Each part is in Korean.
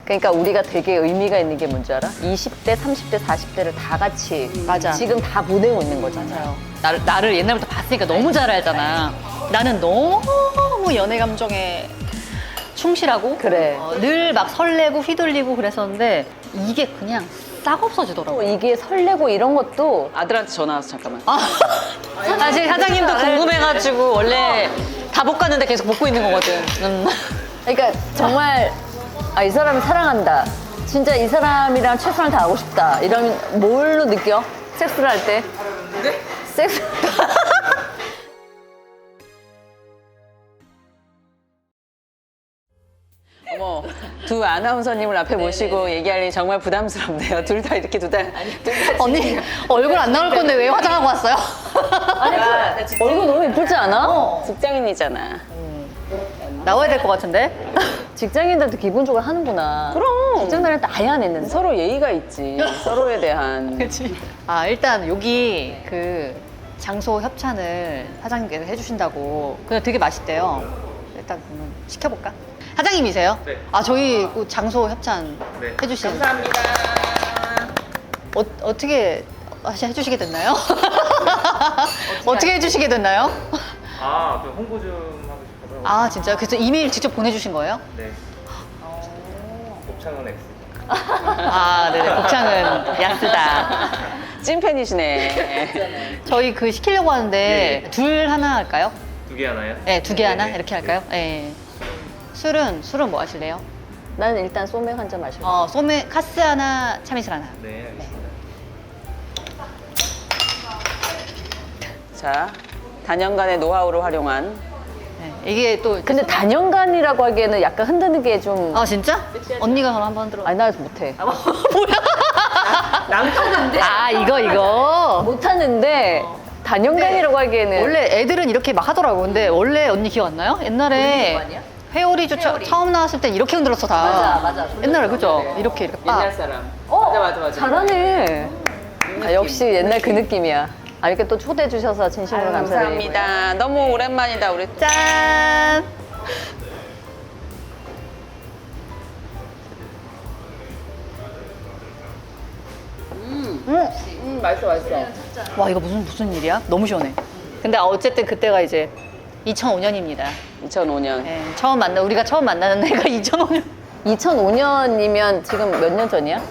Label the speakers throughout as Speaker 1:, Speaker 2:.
Speaker 1: 그러니까 우리가 되게 의미가 있는 게 뭔지 알아? 20대, 30대, 40대를 다 같이
Speaker 2: 맞아.
Speaker 1: 지금 다 보내고 있는 거잖아요.
Speaker 2: 나를 옛날부터 봤으니까 너무 잘 알잖아. 나는 너무 연애 감정에 충실하고
Speaker 1: 그래.
Speaker 2: 늘 막 설레고 휘둘리고 그랬었는데 이게 그냥 싹 없어지더라고.
Speaker 1: 이게 설레고 이런 것도
Speaker 3: 아들한테 전화 와서 잠깐만.
Speaker 2: 사실 사장님도 궁금해가지고 원래 다 못 갔는데 계속 먹고 있는 거거든.
Speaker 1: 그러니까 정말 이 사람을 사랑한다. 진짜 이 사람이랑 최선을 다하고 싶다. 이러면 뭘로 느껴? 섹스를 할 때? 네? 섹스.
Speaker 3: 어머, 두 아나운서님을 앞에 모시고 얘기하려니 정말 부담스럽네요. 둘 다 이렇게
Speaker 2: 언니 얼굴 안 나올 건데 왜 화장하고 왔어요?
Speaker 1: 얼굴 너무 예쁘지 않아?
Speaker 3: 직장인이잖아.
Speaker 2: 나와야 될 것 같은데?
Speaker 1: 직장인들도 기본적으로 하는구나.
Speaker 3: 그럼.
Speaker 1: 직장 다닐 때 아예 안 했는데.
Speaker 3: 서로 예의가 있지. 서로에 대한.
Speaker 2: 그치. 일단 여기 그 장소 협찬을 사장님께서 해주신다고. 근데 되게 맛있대요. 일단 그러면 시켜볼까? 사장님이세요?
Speaker 4: 네.
Speaker 2: 저희 그 장소 협찬
Speaker 4: 네.
Speaker 2: 해주신.
Speaker 3: 감사합니다.
Speaker 2: 어떻게 해주시게 됐나요? 어떻게 해주시게 됐나요?
Speaker 4: 그 홍보 좀 하고 싶어서.
Speaker 2: 진짜요? 그래서 이메일 직접 보내주신 거예요?
Speaker 4: 네. 곱창은 X.
Speaker 2: 네네. 곱창은 야스다.
Speaker 3: 찐팬이시네.
Speaker 2: 저희 그 시키려고 하는데
Speaker 4: 네.
Speaker 2: 둘 하나 할까요?
Speaker 4: 두 개 하나요?
Speaker 2: 네, 두 개 하나?
Speaker 4: 네.
Speaker 2: 이렇게 할까요? 네. 술은 뭐 하실래요?
Speaker 1: 나는 일단 소맥 한 잔 마실게.
Speaker 2: 소메 카스 하나, 참이슬 하나.
Speaker 4: 네, 알겠습니다.
Speaker 3: 자, 단연간의 노하우를 활용한.
Speaker 2: 네. 이게 또
Speaker 1: 근데 단연간이라고 하기에는 약간 흔드는 게 좀.
Speaker 2: 진짜? 언니가 그럼 한번 들어.
Speaker 1: 아니, 나 못해.
Speaker 2: 이거.
Speaker 1: 못하는데 단연간이라고 하기에는.
Speaker 2: 원래 애들은 이렇게 막 하더라고. 근데 원래 언니 기억 안 나요? 옛날에 회오리주 처음 나왔을 땐 이렇게 흔들었어 다.
Speaker 1: 맞아.
Speaker 2: 옛날에 그죠? 이렇게 빡.
Speaker 3: 옛날 사람. 맞아.
Speaker 1: 잘하네. 역시 옛날 그 느낌이야. 이렇게 또 초대해 주셔서 진심으로 감사드립니다.
Speaker 3: 감사합니다. 너무 오랜만이다, 우리.
Speaker 2: 짠.
Speaker 3: 맛있어.
Speaker 2: 와 이거 무슨 일이야? 너무 시원해. 근데 어쨌든 그때가 이제 2005년입니다.
Speaker 3: 2005년.
Speaker 2: 네, 우리가 처음 만나는 해가 2005년.
Speaker 1: 2005년이면 지금 몇 년 전이야?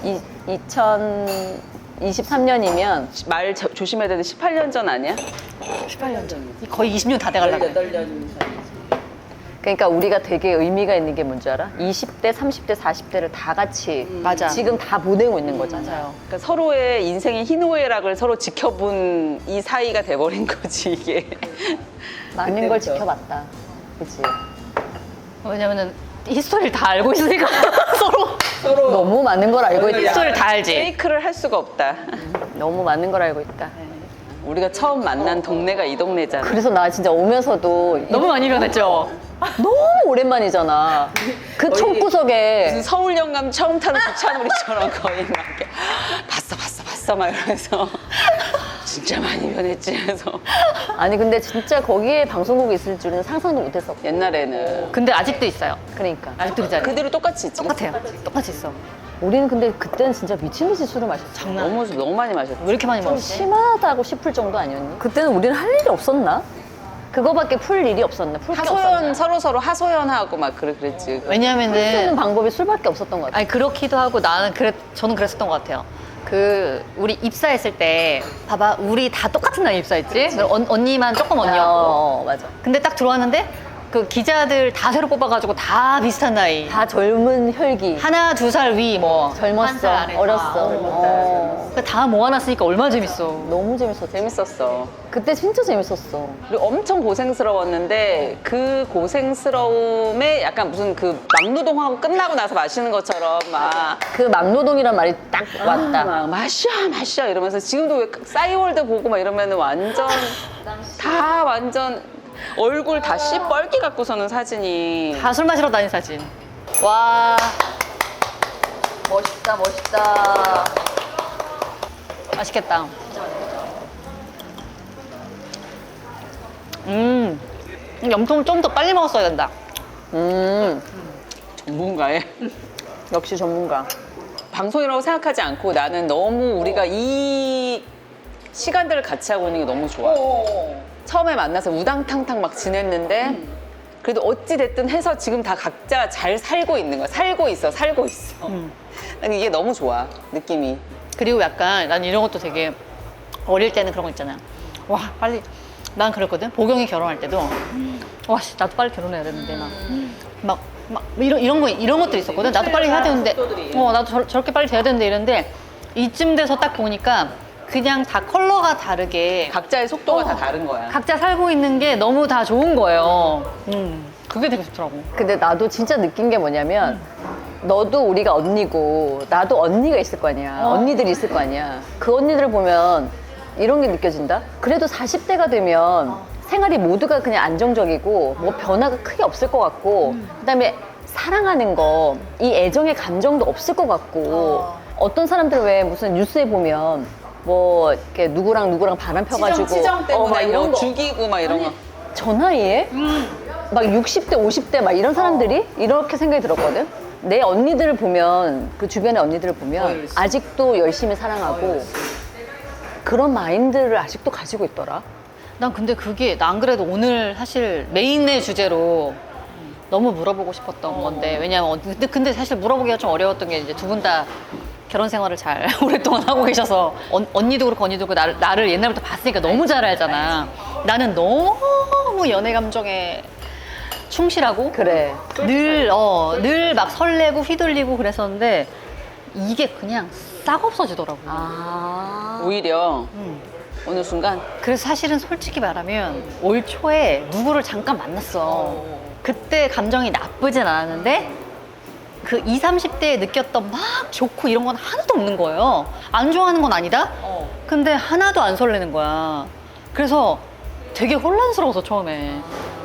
Speaker 1: 2023년이면
Speaker 3: 말 조심해야 되는데 18년 전 아니야?
Speaker 2: 18년 전. 거의 20년 다 돼가려고.
Speaker 3: 18년.
Speaker 1: 그러니까 우리가 되게 의미가 있는 게 뭔지 알아? 20대, 30대, 40대를 다 같이
Speaker 2: 맞아.
Speaker 1: 지금 다 보내고 있는 거잖아요.
Speaker 3: 그러니까 서로의 인생의 희노애락을 서로 지켜본 이 사이가 돼버린 거지, 이게.
Speaker 1: 많은 걸 지켜봤다. 그치?
Speaker 2: 왜냐면은 히스토리를 다 알고 있으니까 서로
Speaker 1: 너무 많은 걸 알고 있다.
Speaker 2: 히스토리를 다 알지.
Speaker 3: 페이크를 할 수가 없다.
Speaker 1: 너무 많은 걸 알고 있다.
Speaker 3: 우리가 처음 만난 동네가 이 동네잖아.
Speaker 1: 그래서 나 진짜 오면서도
Speaker 2: 너무 많이 변했죠.
Speaker 1: 너무 오랜만이잖아. 그 총구석에
Speaker 3: 무슨 서울 영감 처음 타는 부차놀이처럼 거의 막 이렇게 봤어 막 이러면서 진짜 많이 변했지 해서
Speaker 1: 아니 근데 진짜 거기에 방송국이 있을 줄은 상상도 못했어.
Speaker 3: 옛날에는
Speaker 2: 근데 아직도 있어요.
Speaker 1: 그러니까
Speaker 2: 아직도 그 자리에.
Speaker 3: 그대로 똑같이 있지.
Speaker 2: 똑같아요. 똑같이 있어.
Speaker 1: 우리는 근데 그때는 진짜 미친 듯이 술을 마셨어.
Speaker 3: 너무 많이 마셨지.
Speaker 2: 왜 이렇게 많이
Speaker 1: 좀
Speaker 2: 먹었지?
Speaker 1: 심하다고 싶을 정도 아니었니? 그때는 우리는 할 일이 없었나? 그거밖에 풀 일이 없었나? 풀 게
Speaker 3: 하소연
Speaker 1: 없었나?
Speaker 3: 서로 하소연하고 막 그랬지.
Speaker 1: 쓰는
Speaker 2: 왜냐면은
Speaker 1: 방법이 술밖에 없었던 것 같아.
Speaker 2: 그렇기도 하고 저는 그랬었던 것 같아요. 우리 입사했을 때 봐봐 우리 다 똑같은 날 입사했지. 언니만 조금 언니였고.
Speaker 1: 맞아.
Speaker 2: 근데 딱 들어왔는데 그 기자들 다 새로 뽑아가지고 다 비슷한 나이.
Speaker 1: 다 젊은 혈기.
Speaker 2: 하나 두 살 위 뭐.
Speaker 1: 젊었어. 어렸어.
Speaker 2: 다 모아놨으니까 얼마나 재밌어.
Speaker 1: 너무 재밌었어.
Speaker 3: 재밌었어.
Speaker 1: 그때 진짜 재밌었어.
Speaker 3: 그리고 엄청 고생스러웠는데 그 고생스러움에 약간 무슨 그 막노동하고 끝나고 나서 마시는 것처럼 막
Speaker 1: 그 막노동이란 말이 딱 왔다.
Speaker 3: 막 마셔 이러면서 지금도 왜 싸이월드 보고 막 이러면은 완전 다 완전 얼굴 다 씨뻘기 갖고서는 사진이
Speaker 2: 다 술 마시러 다닌 사진. 와.
Speaker 1: 멋있다.
Speaker 2: 맛있겠다. 염통을 좀 더 빨리 먹었어야 된다.
Speaker 1: 음.
Speaker 3: 전문가의
Speaker 1: 역시 전문가.
Speaker 3: 방송이라고 생각하지 않고 나는 너무 우리가 이 시간들을 같이 하고 있는 게 너무 좋아. 처음에 만나서 우당탕탕 막 지냈는데 그래도 어찌 됐든 해서 지금 다 각자 잘 살고 있는 거야. 살고 있어. 난 이게 너무 좋아. 느낌이.
Speaker 2: 그리고 약간 난 이런 것도 되게 어릴 때는 그런 거 있잖아. 와 빨리 난 그랬거든. 보경이 결혼할 때도 와 씨, 나도 빨리 결혼해야 되는데 막 이런 것들이 있었거든. 나도 빨리 해야 되는데 나도 저렇게 빨리 돼야 되는데 이런데 이쯤 돼서 딱 보니까 그냥 다 컬러가 다르게
Speaker 3: 각자의 속도가 다 다른 거야.
Speaker 2: 각자 살고 있는 게 너무 다 좋은 거예요. 그게 되게 좋더라고.
Speaker 1: 근데 나도 진짜 느낀 게 뭐냐면 너도 우리가 언니고 나도 언니가 있을 거 아니야. 언니들이 있을 거 아니야. 그 언니들을 보면 이런 게 느껴진다. 그래도 40대가 되면 생활이 모두가 그냥 안정적이고 뭐 변화가 크게 없을 것 같고 그다음에 사랑하는 거, 이 애정의 감정도 없을 것 같고 어떤 사람들 왜 무슨 뉴스에 보면 뭐 이렇게 누구랑 바람 펴가지고
Speaker 3: 치정 때문에
Speaker 1: 막 이런
Speaker 3: 뭐
Speaker 1: 거
Speaker 3: 죽이고 막 이런 거.
Speaker 1: 저 나이에 막 60대, 50대 막 이런 사람들이 이렇게 생각이 들었거든. 내 언니들을 보면 그 주변의 언니들을 보면 아직도 열심히 사랑하고 그런 마인드를 아직도 가지고 있더라.
Speaker 2: 난 근데 그게 나 안 그래도 오늘 사실 메인의 주제로 너무 물어보고 싶었던 건데 왜냐면 근데 사실 물어보기가 좀 어려웠던 게 이제 두 분 다 결혼 생활을 잘 오랫동안 하고 계셔서 언니도 그렇고 언니도 그렇고 나를 옛날부터 봤으니까 너무 잘 알잖아. 나는 너무 연애 감정에 충실하고
Speaker 1: 그래.
Speaker 2: 늘 막 설레고 휘둘리고 그랬었는데 이게 그냥 싹 없어지더라고.
Speaker 3: 오히려 어느 순간
Speaker 2: 그래서 사실은 솔직히 말하면 올 초에 누구를 잠깐 만났어. 그때 감정이 나쁘진 않았는데 그 20, 30대에 느꼈던 막 좋고 이런 건 하나도 없는 거예요. 안 좋아하는 건 아니다? 근데 하나도 안 설레는 거야. 그래서 되게 혼란스러워서 처음에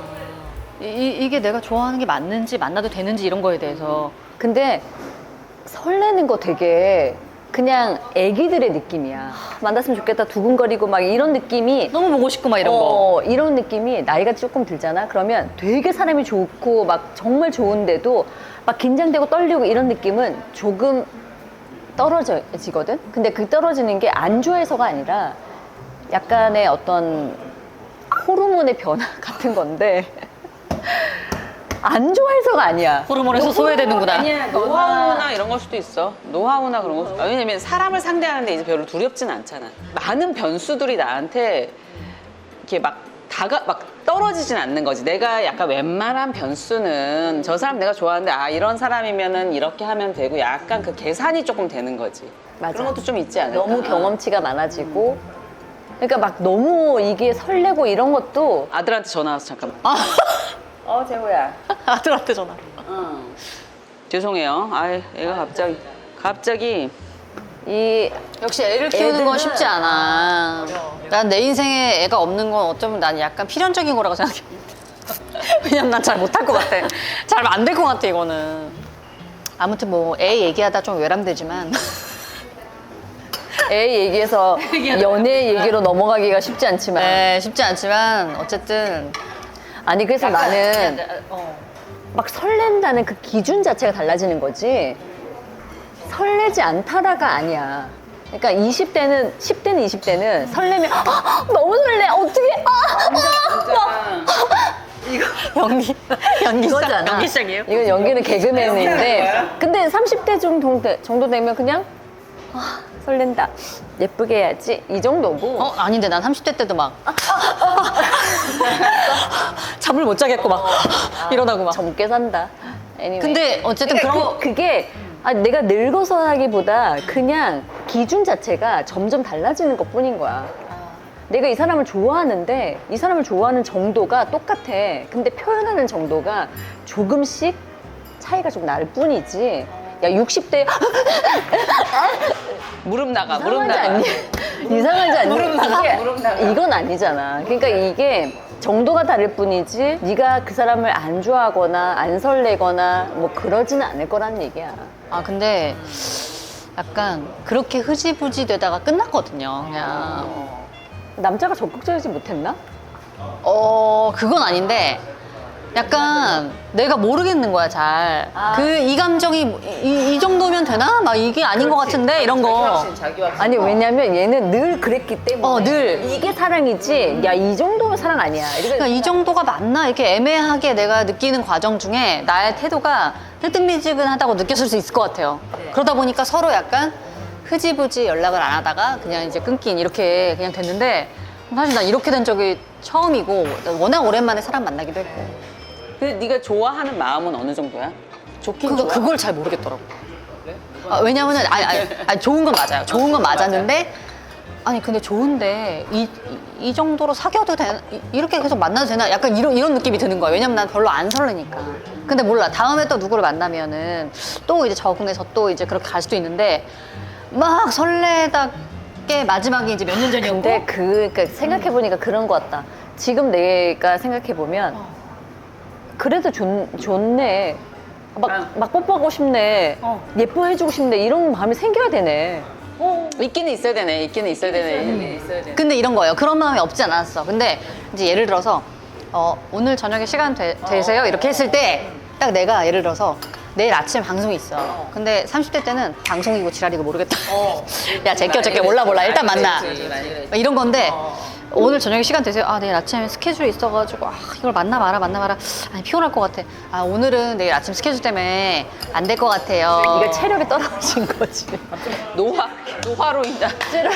Speaker 2: 이게 내가 좋아하는 게 맞는지 만나도 되는지 이런 거에 대해서.
Speaker 1: 근데 설레는 거 되게 그냥 애기들의 느낌이야. 만났으면 좋겠다 두근거리고 막 이런 느낌이
Speaker 2: 너무 보고 싶고 막 이런 거.
Speaker 1: 이런 느낌이 나이가 조금 들잖아. 그러면 되게 사람이 좋고 막 정말 좋은데도 막 긴장되고 떨리고 이런 느낌은 조금 떨어지거든. 근데 그 떨어지는 게 안 좋아해서가 아니라 약간의 어떤 호르몬의 변화 같은 건데 안 좋아해서가 아니야.
Speaker 2: 호르몬에서 소외되는구나.
Speaker 1: 아니야.
Speaker 3: 노하우나 이런 걸 수도 있어. 노하우나 그런 거. 왜냐면 사람을 상대하는데 이제 별로 두렵진 않잖아. 많은 변수들이 나한테 이렇게 막 떨어지진 않는 거지. 내가 약간 웬만한 변수는 저 사람 내가 좋아하는데 이런 사람이면은 이렇게 하면 되고 약간 그 계산이 조금 되는 거지.
Speaker 1: 맞아.
Speaker 3: 그런 것도 좀 있지 않을까?
Speaker 1: 너무 경험치가 많아지고 그러니까 막 너무 이게 설레고 이런 것도
Speaker 3: 아들한테 전화 와서 잠깐만.
Speaker 1: 재호야.
Speaker 2: 아들한테 전화.
Speaker 3: 죄송해요. 애가 갑자기
Speaker 1: 이
Speaker 2: 역시 애를 키우는 건
Speaker 1: 애들은-
Speaker 2: 쉽지 않아. 난 내 인생에 애가 없는 건 어쩌면 난 약간 필연적인 거라고 생각해. 왜냐면 난 잘 못할 것 같아. 잘 안 될 것 같아, 이거는. 아무튼 뭐 애 얘기하다 좀 외람되지만
Speaker 1: 애 얘기해서 연애 얘기로 넘어가기가 쉽지 않지만
Speaker 2: 네, 쉽지 않지만 어쨌든
Speaker 1: 아니 그래서 나는
Speaker 2: 어.
Speaker 1: 막 설렌다는 그 기준 자체가 달라지는 거지 설레지 않다라가 아니야. 그러니까 20대는 10대는 20대는 설레면 너무 설레 어떻게
Speaker 2: 연기
Speaker 1: 이거잖아.
Speaker 2: 연기 시작이에요?
Speaker 1: 이건 연기는 개그맨인데 근데 30대 정도 되면 그냥 설렌다 예쁘게 해야지 이 정도고
Speaker 2: 아닌데 난 30대 때도 막 잠을 못 자겠고 막 이러다고 막.
Speaker 1: 젊게 산다. Anyway.
Speaker 2: 근데 어쨌든
Speaker 1: 그러니까
Speaker 2: 그런 거
Speaker 1: 그게 내가 늙어서 하기보다 그냥 기준 자체가 점점 달라지는 것 뿐인 거야. 내가 이 사람을 좋아하는데 이 사람을 좋아하는 정도가 똑같아. 근데 표현하는 정도가 조금씩 차이가 좀 날 뿐이지. 야 60대
Speaker 3: 무릎 나가.
Speaker 1: 이상하지 않니? 이상하지 않니?
Speaker 3: 무릎 나가.
Speaker 1: 이건 아니잖아. 그러니까 이게 정도가 다를 뿐이지 네가 그 사람을 안 좋아하거나 안 설레거나 뭐 그러지는 않을 거란 얘기야.
Speaker 2: 근데 약간 그렇게 흐지부지 되다가 끝났거든요. 그냥
Speaker 1: 남자가 적극적이지 못했나?
Speaker 2: 그건 아닌데 약간 내가 모르겠는 거야 잘. 이 감정이 이 정도면 되나? 막 이게 아닌 것 같은데 이런 거.
Speaker 1: 아니 왜냐면 얘는 늘 그랬기 때문에
Speaker 2: 늘.
Speaker 1: 이게 사랑이지 야 이 정도면 사랑 아니야.
Speaker 2: 그러니까 이 정도가 맞나? 이렇게 애매하게 내가 느끼는 과정 중에 나의 태도가 뜨뜻미지근하다고 느꼈을 수 있을 것 같아요. 그러다 보니까 서로 약간 흐지부지 연락을 안 하다가 그냥 이제 끊긴 이렇게 그냥 됐는데 사실 난 이렇게 된 적이 처음이고 워낙 오랜만에 사람 만나기도 했고
Speaker 3: 근데 네가 좋아하는 마음은 어느 정도야? 좋긴 좋아.
Speaker 2: 그걸 잘 모르겠더라고. 왜냐면은 아니, 좋은 건 맞아요. 좋은 건 맞았는데 아니 근데 좋은데 이 정도로 사귀어도 되나? 이렇게 계속 만나도 되나? 약간 이런 느낌이 드는 거예요. 왜냐면 난 별로 안 설레니까. 근데 몰라. 다음에 또 누구를 만나면은 또 이제 적응해서 또 이제 그렇게 갈 수도 있는데 막 설레다게 마지막에 이제 몇 년 전이었고
Speaker 1: 근데 그러니까 생각해보니까 그런 것 같다. 지금 내가 생각해보면 그래도 좋네. 막 뽀뽀하고 싶네. 예뻐해주고 싶네. 이런 마음이 생겨야 되네.
Speaker 3: 있기는 있어야 되네. 있기는 있어야 되네. 있어야 되네.
Speaker 2: 근데 이런 거예요. 그런 마음이 없지 않았어. 근데 이제 예를 들어서 오늘 저녁에 시간 되세요? 이렇게 했을 때 딱 내가 예를 들어서 내일 아침에 방송이 있어. 근데 30대 때는 방송이고 지랄이고 모르겠다. 야 제껴 몰라 일단 만나. 막 이런 건데 오늘 저녁에 시간 되세요? 아 내일 아침에 스케줄이 있어가지고 이걸 만나 마라 아니 피곤할 것 같아. 아 오늘은 내일 아침 스케줄 때문에 안 될 것 같아요.
Speaker 1: 이게 체력이 떨어진 거지.
Speaker 3: 노화로 인한.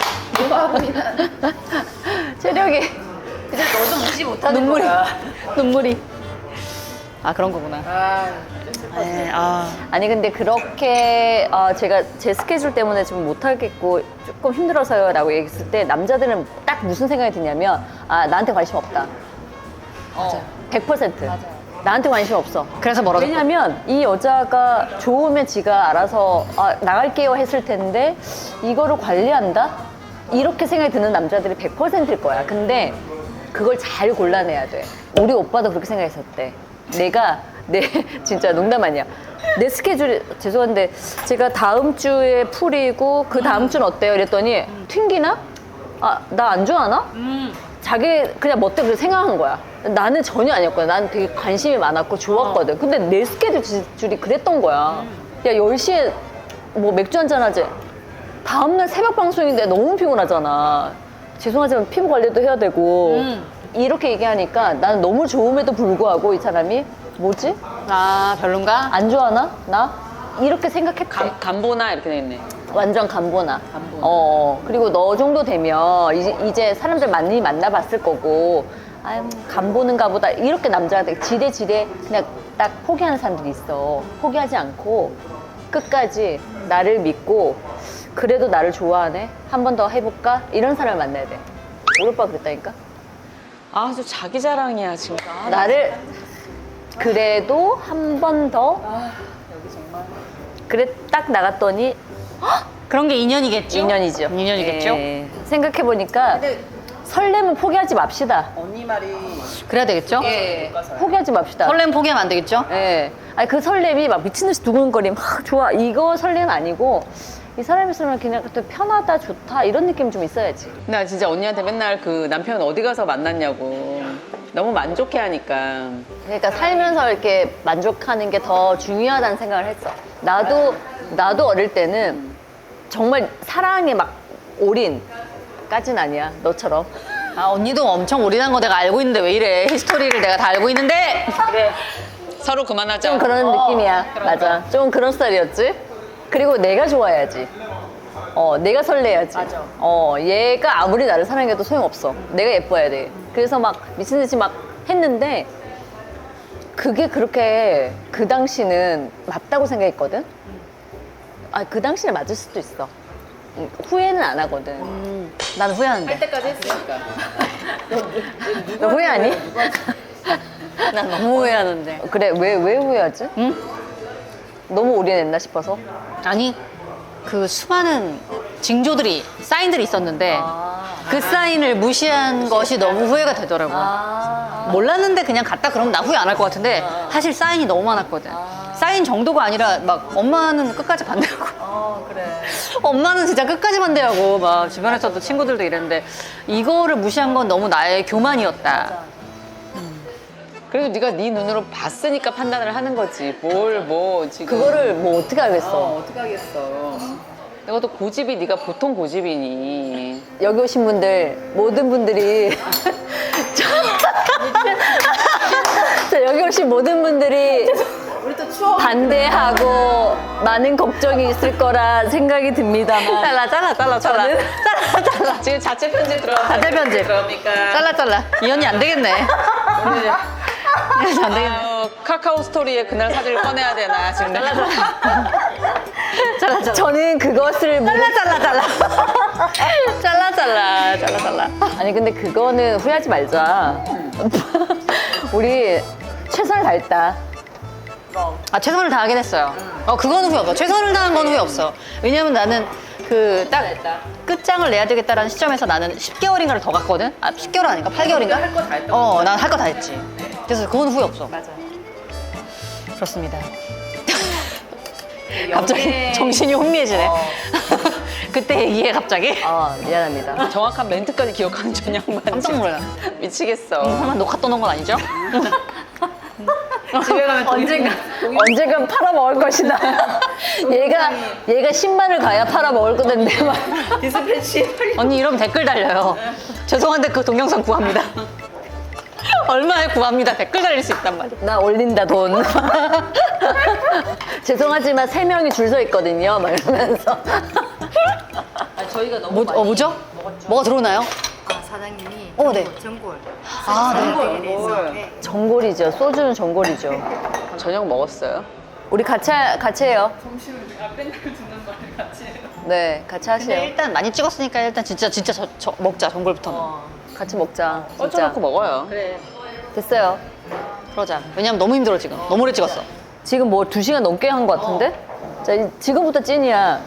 Speaker 1: 체력이 이제 너도 무시 못하는
Speaker 2: 눈물이 아 그런 거구나. 네,
Speaker 1: 아니 근데 그렇게 제가 제 스케줄 때문에 좀 못하겠고 조금 힘들어서요 라고 얘기했을 때 남자들은 딱 무슨 생각이 드냐면 나한테 관심 없다.
Speaker 2: 맞아요.
Speaker 1: 100%. 나한테 관심 없어.
Speaker 2: 그래서 멀어졌고.
Speaker 1: 왜냐면 이 여자가 좋으면 지가 알아서 나갈게요 했을 텐데 이거를 관리한다? 이렇게 생각이 드는 남자들이 100%일 거야. 근데 그걸 잘 골라내야 돼. 우리 오빠도 그렇게 생각했었대. 진짜 농담 아니야. 내 스케줄이 죄송한데 제가 다음 주에 풀이고 그 다음 주는 어때요? 이랬더니 튕기나? 나 안 좋아하나? 자기 그냥 멋대로 그렇게 생각한 거야. 나는 전혀 아니었거든. 나는 되게 관심이 많았고 좋았거든. 근데 내 스케줄이 그랬던 거야. 야 10시에 뭐 맥주 한잔 하지. 다음날 새벽 방송인데 너무 피곤하잖아. 죄송하지만 피부 관리도 해야 되고 이렇게 얘기하니까 나는 너무 좋음에도 불구하고 이 사람이 뭐지?
Speaker 2: 별론가?
Speaker 1: 안 좋아하나? 나? 이렇게 생각했대.
Speaker 3: 간보나 이렇게 돼 있네.
Speaker 1: 완전 간보나. 그리고 너 정도 되면 이제 사람들 많이 만나봤을 거고 간보는가 보다 이렇게 남자가 되게 지레 그냥 딱 포기하는 사람들이 있어. 포기하지 않고 끝까지 나를 믿고 그래도 나를 좋아하네? 한 번 더 해볼까? 이런 사람을 만나야 돼. 우리 오빠가 그랬다니까?
Speaker 3: 아주 자기 자랑이야 지금.
Speaker 1: 나를 그래도 한 번 더 그래 딱 나갔더니
Speaker 2: 그런 게 인연이겠죠?
Speaker 1: 인연이죠.
Speaker 2: 인연이겠죠?
Speaker 1: 예. 생각해보니까 설렘은 포기하지 맙시다.
Speaker 2: 그래야 되겠죠?
Speaker 1: 포기하지 맙시다.
Speaker 2: 설렘 포기하면 안 되겠죠?
Speaker 1: 예. 아니 그 설렘이 막 미친 듯이 두근거림 좋아 이거 설렘 아니고 이 사람 있으면 그냥 또 편하다 좋다 이런 느낌 좀 있어야지.
Speaker 3: 나 진짜 언니한테 맨날 그 남편 어디 가서 만났냐고 너무 만족해 하니까.
Speaker 1: 그러니까 살면서 이렇게 만족하는 게 더 중요하다는 생각을 했어. 나도 어릴 때는 정말 사랑에 막 올인까진 아니야 너처럼.
Speaker 2: 언니도 엄청 올인한 거 내가 알고 있는데 왜 이래? 히스토리를 내가 다 알고 있는데.
Speaker 3: 그래. 서로 그만하자.
Speaker 1: 좀 그런 느낌이야. 맞아. 좀 그런 스타일이었지. 그리고 내가 좋아야지. 내가 설레야지. 맞아. 얘가 아무리 나를 사랑해도 소용없어. 내가 예뻐야 돼. 그래서 막 미친 듯이 막 했는데 그게 그렇게 그 당시는 맞다고 생각했거든. 그 당시는 맞을 수도 있어. 후회는 안 하거든.
Speaker 2: 난 후회하는데.
Speaker 3: 할 때까지 했으니까.
Speaker 1: 너 후회하니?
Speaker 2: 난 너무 후회하는데.
Speaker 1: 그래 왜 후회하지?
Speaker 2: 응?
Speaker 1: 너무 올인했나 싶어서.
Speaker 2: 아니 그 수많은 징조들이 사인들이 있었는데 그 사인을 무시한 것이 너무 후회가 되더라고. 몰랐는데 그냥 갔다 그러면 나 후회 안 할 것 같은데 사실 사인이 너무 많았거든. 사인 정도가 아니라 막 엄마는 끝까지 반대하고
Speaker 1: 그래.
Speaker 2: 엄마는 진짜 끝까지 반대하고 막 주변에서도 친구들도 이랬는데 이거를 무시한 건 너무 나의 교만이었다.
Speaker 3: 그래도 네가 네 눈으로 봤으니까 판단을 하는 거지. 뭘 뭐 지금.
Speaker 1: 그거를 뭐 어떻게 알겠어.
Speaker 3: 어떻게 하겠어. 이것도 고집이 네가 보통 고집이니.
Speaker 1: 여기 오신 분들 모든 분들이 자, 여기 오신 모든 분들이 반대하고 많은 걱정이 있을 거라 생각이 듭니다만
Speaker 2: 잘라.
Speaker 3: 지금 자체 편집 들어가.
Speaker 2: 자체 편집.
Speaker 3: 그러니까.
Speaker 2: 잘라. 이 언니 안 되겠네. 안 되겠네.
Speaker 3: 아유, 카카오 스토리에 그날 사진을 꺼내야 되나 지금.
Speaker 2: 잘라.
Speaker 1: 저는 그것을
Speaker 2: 잘라.
Speaker 1: 아니 근데 그거는 후회하지 말자. 우리 최선을 다했다.
Speaker 2: 아, 최선을 다하긴 했어요. 그거는 후회 없어. 최선을 다한 건 후회 없어. 왜냐면 나는 그 딱 끝장을 내야 되겠다라는 시점에서 나는 10개월인가를 더 갔거든? 10개월 아닌가? 8개월인가? 할 거 다 했던 난 할 거 다 했지. 그래서 그건 후회 없어. 맞아. 그렇습니다. 갑자기 정신이 혼미해지네. 그때 얘기해, 갑자기.
Speaker 1: 미안합니다.
Speaker 3: 정확한 멘트까지 기억하는 전형만.
Speaker 2: 깜짝 놀라.
Speaker 3: 미치겠어.
Speaker 2: 설마 녹화 떠놓은 건 아니죠?
Speaker 3: 집에 가면
Speaker 1: 언젠간 팔아먹을 것이다. 얘가 10만을 가야 팔아먹을 건데 막.
Speaker 2: 언니 이러면 댓글 달려요. 죄송한데 그 동영상 구합니다. 얼마에 구합니다. 댓글 달릴 수 있단 말이야.
Speaker 1: 나 올린다 돈. 죄송하지만 3명이 줄 서 있거든요. 막 이러면서.
Speaker 3: 저희가 너무
Speaker 2: 뭐죠? 뭐가 들어오나요?
Speaker 5: 사장님이
Speaker 2: 네.
Speaker 5: 전골
Speaker 2: 네.
Speaker 5: 대해서 네.
Speaker 1: 전골이죠. 소주는 전골이죠.
Speaker 3: 저녁 먹었어요.
Speaker 1: 우리 같이 해요. 점심을 맨날 듣는 말을 같이 해요. 네, 같이
Speaker 2: 근데
Speaker 1: 하세요.
Speaker 2: 일단 많이 찍었으니까 일단 진짜 먹자, 전골부터는.
Speaker 1: 같이 먹자. 진짜.
Speaker 3: 얹어놓고 먹어요.
Speaker 1: 됐어요.
Speaker 2: 그러자. 왜냐면 너무 힘들어, 지금. 너무 오래 찍었어.
Speaker 1: 지금 뭐 2시간 넘게 한 것 같은데? 자, 지금부터 찐이야.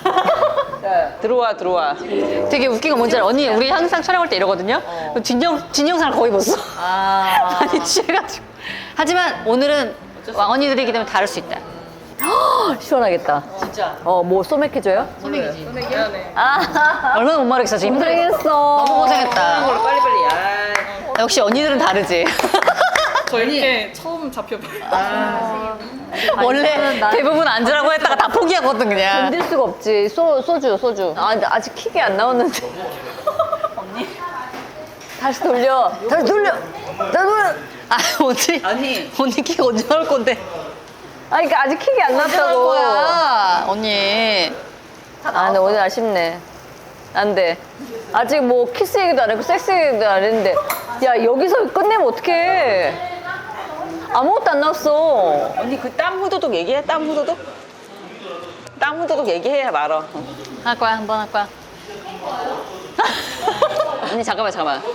Speaker 3: 들어와.
Speaker 2: 되게 웃긴 건 뭔지 알아? 언니, 우리 항상 촬영할 때 이러거든요? 뒷영상을 거의 못 써. 많이 취해가지고. 하지만 오늘은 왕언니들이기 때문에 다를 수 있다.
Speaker 1: 시원하겠다.
Speaker 2: 진짜.
Speaker 1: 뭐 소맥해줘요?
Speaker 2: 소맥이지.
Speaker 1: 얼마나 못 말하겠어, 지금 힘들겠어.
Speaker 2: 너무 고생했다.
Speaker 3: 빨리빨리.
Speaker 2: 역시 언니들은 다르지.
Speaker 6: 저 이렇게 처음 잡혀봐요.
Speaker 2: 원래 대부분 앉으라고 했다가 다 포기하거든, 그냥.
Speaker 1: 견딜 수가 없지. 소주. 근데 아직 킥이 안 나오는데. 언니. 다시 돌려.
Speaker 2: 언니 키가 언제 나올 건데?
Speaker 1: 그러니까 아직 킥이 안
Speaker 2: 나올
Speaker 1: 났다고.
Speaker 2: 거야, 언니.
Speaker 1: 근데 오늘 아쉽네. 안 돼. 아직 뭐 키스 얘기도 안 했고 섹스 얘기도 안 했는데. 야, 여기서 끝내면 어떡해. 아무것도 안 나왔어.
Speaker 3: 언니 그 땀 후두둑 얘기해? 땀 후두둑? 땀 후두둑 얘기해야 말어.
Speaker 2: 할 거야, 한번 할 거야.
Speaker 3: 언니 잠깐만.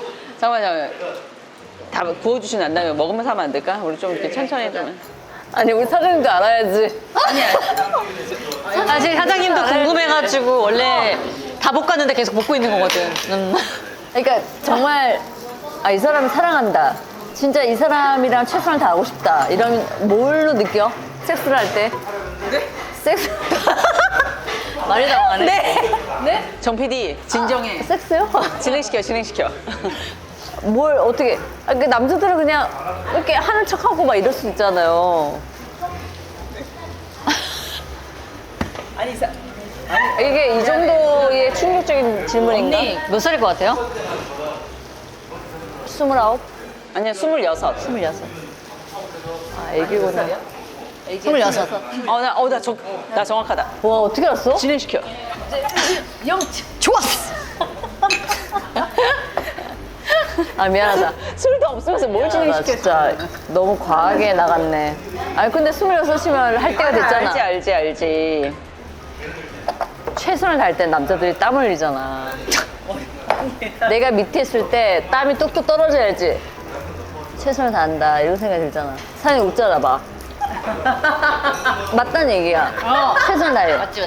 Speaker 3: 다 구워주신 난 다음에 먹으면서 하면 안 될까? 우리 좀 이렇게 천천히 좀.
Speaker 1: 아니, 우리 사장님도 알아야지.
Speaker 2: 사실 사장님도 궁금해가지고 원래 다 볶았는데 계속 볶고 있는 거거든.
Speaker 1: 그러니까 정말 이 사람을 사랑한다. 진짜 이 사람이랑 최선을 다하고 싶다. 이런 뭘로 느껴? 섹스를 할 때? 네? 섹스? 말이 나가네. 네?
Speaker 3: 정 PD 진정해.
Speaker 1: 섹스요?
Speaker 3: 진행시켜.
Speaker 1: 뭘 어떻게? 그 남자들은 그냥 이렇게 하는 척하고 막 이럴 수 있잖아요. 이게 이 정도의 충격적인 질문인가?
Speaker 2: 언니 몇 살일 것 같아요?
Speaker 1: 29?
Speaker 3: 아니야 26.
Speaker 1: 26. 애기구나.
Speaker 2: 26.
Speaker 3: 나 정확하다.
Speaker 1: 와, 어떻게 알았어?
Speaker 3: 진행시켜.
Speaker 2: 좋았어.
Speaker 1: 미안하다.
Speaker 3: 술도 없으면서 뭘
Speaker 1: 나
Speaker 3: 진행시켜?
Speaker 1: 진짜 너무 과하게 나갔네. 근데 26이면 할 때가 됐잖아.
Speaker 3: 알지.
Speaker 1: 최선을 다할 땐 남자들이 땀 흘리잖아. 내가 밑에 있을 때 땀이 뚝뚝 떨어져야지 최선을 다한다 이런 생각이 들잖아. 사장님 웃잖아 봐. 맞다는 얘기야. 최선을 다해.
Speaker 2: 맞지.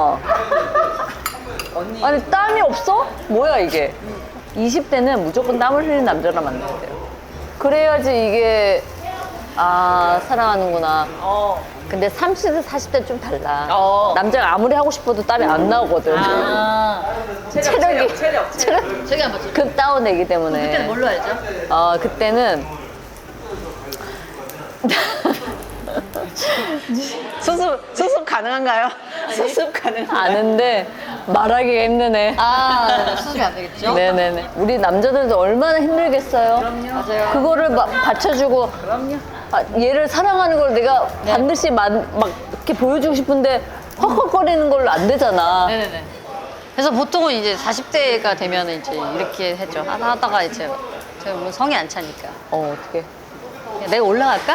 Speaker 1: 아니 땀이 없어? 뭐야 이게. 20대는 무조건 땀을 흘리는 남자랑 만나야 돼요. 그래야지 이게 사랑하는구나. 근데 30대, 40대 좀 달라. 남자가 아무리 하고 싶어도 땀이 안 나오거든. 체력이
Speaker 2: 저기 안 봤죠?
Speaker 1: 급 다운되기 때문에.
Speaker 2: 그때는 뭘로 알죠?
Speaker 1: 그때는
Speaker 3: 수습 가능한가요? 수습 가능.
Speaker 1: 아는데 말하기가 힘드네.
Speaker 2: 아, 수습이 안 되겠죠?
Speaker 1: 네네네. 우리 남자들도 얼마나 힘들겠어요.
Speaker 2: 맞아요.
Speaker 1: 그거를 막 받쳐주고. 얘를 사랑하는 걸 내가
Speaker 2: 네.
Speaker 1: 반드시 막 이렇게 보여주고 싶은데 헉헉거리는 걸로 안 되잖아.
Speaker 2: 네네네. 그래서 보통은 이제 40대가 되면 이제 이렇게 했죠. 하다가 이제 제가 뭐 성이 안 차니까.
Speaker 1: 어떻게?
Speaker 2: 내가 올라갈까?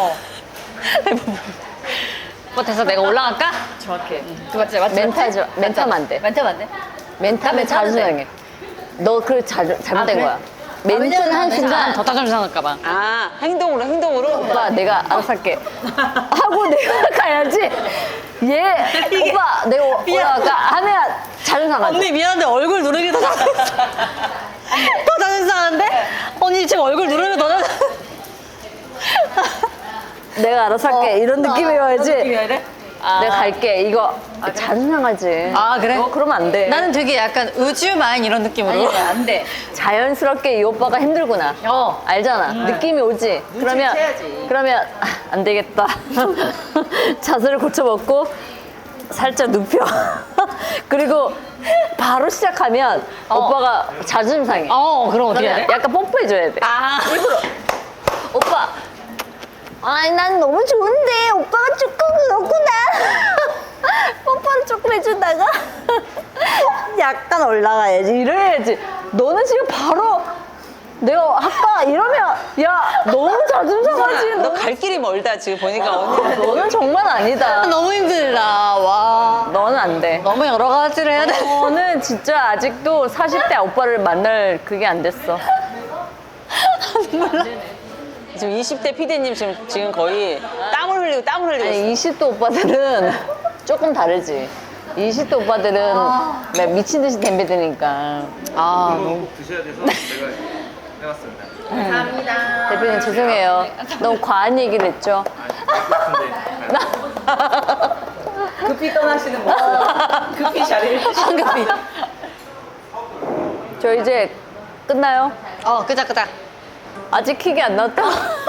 Speaker 2: 뭐 돼서 내가 올라갈까?
Speaker 6: 정확해.
Speaker 2: 그 맞지? 맞지?
Speaker 1: 멘탈 멘탈 안 돼.
Speaker 2: 멘탈 안 돼?
Speaker 1: 멘탈은 자주상해. 너 그 잘못된
Speaker 2: 그래?
Speaker 1: 거야. 멘트는 한 순간
Speaker 2: 더 자존심 상할까봐.
Speaker 3: 아, 행동으로?
Speaker 1: 오빠 내가 알아서 할게 하고 내가 가야지. 얘 오빠 내가 올라갈까 하면 자존심 상하지.
Speaker 2: 언니 미안한데 얼굴 누르기 더 자존심 더 자존심 상하는데? 언니 지금 얼굴 누르면 더 자존심
Speaker 1: 내가 알아서 할게 이런 느낌이어야지.
Speaker 2: 이래?
Speaker 1: 내가 갈게 이거 자존심 상하지.
Speaker 2: 아, 그래?
Speaker 1: 너 그러면 안 돼.
Speaker 2: 나는 되게 약간 우주마인 이런 느낌으로.
Speaker 1: 안 돼. 자연스럽게 이 오빠가 힘들구나. 알잖아. 느낌이 오지. 그러면 안 되겠다. 자세를 고쳐먹고 살짝 눕혀. 그리고 바로 시작하면 오빠가 자존심 상해.
Speaker 2: 그럼 어떻게 해야 돼?
Speaker 1: 약간 뽀뽀해줘야 돼.
Speaker 2: 아,
Speaker 1: 오빠. 아니 난 너무 좋은데 오빠가 조금 그렇구나. 뽀뽀를 조금 해주다가 약간 올라가야지 이래야지. 너는 지금 바로 내가 할까 이러면 야 너무 자존심 상하지.
Speaker 3: 너 갈 길이 멀다, 지금 보니까 언니.
Speaker 1: 너는 정말 아니다.
Speaker 2: 너무 힘들다. 와.
Speaker 1: 너는 안 돼.
Speaker 2: 너무 여러 가지를 해야 돼.
Speaker 1: 너는 진짜 아직도 40대 오빠를 만날 그게 안 됐어.
Speaker 3: 지금 20대 PD님 지금 거의 땀을 흘리고 있어.
Speaker 1: 아니 20대 오빠들은 조금 다르지. 20대 오빠들은 막 미친 듯이 덤벼드니까.
Speaker 4: 꼭 드셔야 돼서 제가 해봤습니다.
Speaker 1: 대표님 죄송해요. 너무 과한 얘기를 했죠.
Speaker 3: 급히 떠나시는 모습. 급히 자리를
Speaker 2: 황급히.
Speaker 1: 저 이제 끝나요?
Speaker 2: 끄작끄작.
Speaker 1: 아직 킥이 안 나왔다.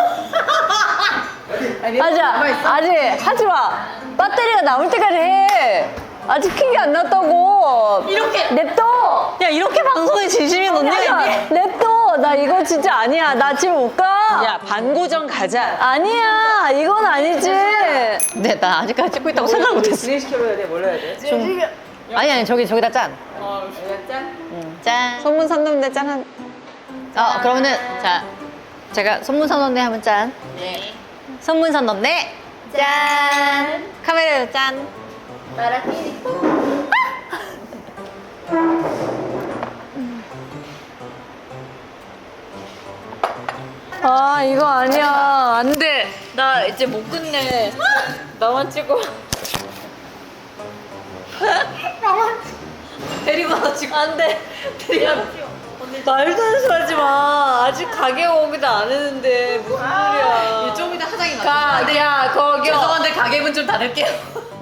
Speaker 1: 아직 하지 마. 배터리가 남을 때까지 해. 아직 킥이 안 났다고.
Speaker 2: 이렇게.
Speaker 1: 냅둬.
Speaker 2: 야, 이렇게 방송에 진심인 언니가 있니?
Speaker 1: 냅둬. 나 이거 진짜 아니야. 나 지금 못 가.
Speaker 3: 야, 반고정 가자.
Speaker 1: 아니야. 이건 아니지.
Speaker 2: 네, 나 아직까지 찍고 있다고 생각 못했어.
Speaker 3: 진행시켜줘야 돼, 뭘 해야 돼?
Speaker 2: 아니, 저기다 짠.
Speaker 3: 짠?
Speaker 2: 짠.
Speaker 3: 소문 샀는데 짠한.
Speaker 2: 그러면은, 자, 제가 손문선언네 하면 짠. 네. 손문선언네. 짠. 카메라로 짠.
Speaker 1: 아, 이거 아니야. 안 돼. 나 이제 못 끝내. 나만 찍어.
Speaker 2: 데리고 와서 지금.
Speaker 1: 안 돼. 말도 안 소리 하지 마. 아직 가게 오기도 안 했는데 무슨 소리야.
Speaker 2: 좀 이따 화장이 나.
Speaker 1: 야, 거기.
Speaker 2: 죄송한데 가격은 좀 닫을게요.